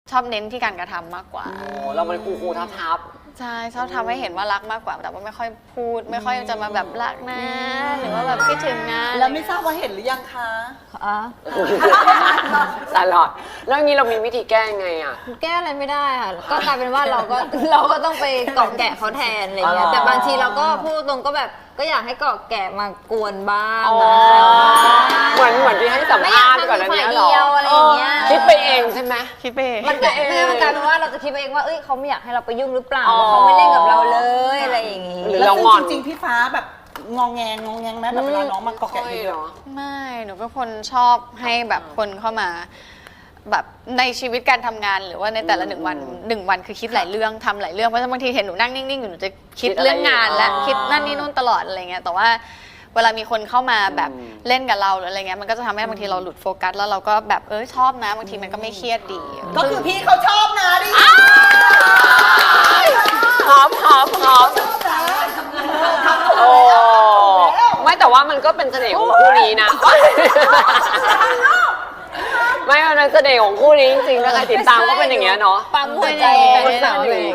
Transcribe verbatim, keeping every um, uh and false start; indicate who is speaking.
Speaker 1: ชอบเน้นที่การกระทำมากกว่า
Speaker 2: โอ้เราเป็นครูครูทับทับ
Speaker 1: ใช่ชอบทำให้เห็นว่ารักมากกว่าแต่ว่าไม่ค่อยพูดไม่ค่อยจะมาแบบรักนะหรือว่าแบบคิดถึงนะ
Speaker 3: แล้วไม่ทราบว่าเห็นหรือยังคะ
Speaker 4: อ๋อ
Speaker 2: ตลอดแล้วงี้เรามีวิธีแก้ยังไงอ่ะ
Speaker 4: แก้อะไรไม่ได้ค่ะก็กลายเป็นว่าเราก็เราก็ต้องไปเกาะแกะเขาแทนอะไรเงี้ยแต่บางทีเราก็พูดตรงก็แบบก็อยากให้เกาะแกะมากวนบ้างนะ
Speaker 2: เหมือนเหมือนที่ให้สัมภาษณ์ก่อนนั้นเนี่ยหรอ
Speaker 4: อะไรอย่างเงี้ย
Speaker 2: คิดไปเองใช่ไหม
Speaker 1: คิดไปเอง
Speaker 4: มันกลายเป็นว่าเราจะคิดไปเองว่าเอ้ยเขาไม่อยากให้เราไปยุ่งหรือเปล่าเขาไม่เล่นกับเราเลยอะไรอย่างงี้
Speaker 3: หรือเรางอนจริงๆพี่ฟ้าแบบงองแงงองแงงไหมแบบเวลาน้องมาเกาะแกะเยอะ
Speaker 1: ไม่หนูเป็นคนชอบให้แบบคนเข้ามาแบบในชีวิตการทำงานหรือว่าในแต่ละหนึ่งวันหนึ่งวันคือคิดหลายเรื่องทำหลายเรื่องเพราะบางทีเห็นหนูนั่งนิ่งๆอยู่หนูจะคิดเรื่องงานและคิดนั่นนี่นู่นตลอดอะไรเงี้ยแต่ว่าเวลามีคนเข้ามาแบบเล่นกับเราหรืออะไรเงี้ยมันก็จะทำให้บางทีเราหลุดโฟกัสแล้วเราก็แบบเออชอบนะบางทีมันก็ไม่เครียดดี
Speaker 3: ก็คือพี่เขาชอบนะดิ
Speaker 2: หอมหอมหอมโอ้ไม่แต่ว่ามันก็เป็นเสน่ห์ของคู่นี้นะไม่มันเป็นเสน่ห์ของคู่นี้จริงๆถ้าใครติดตามก็เป็นอย่างเงี้ยเนาะ
Speaker 4: ปั๊มหัวใจ
Speaker 1: เป็นสาวเลย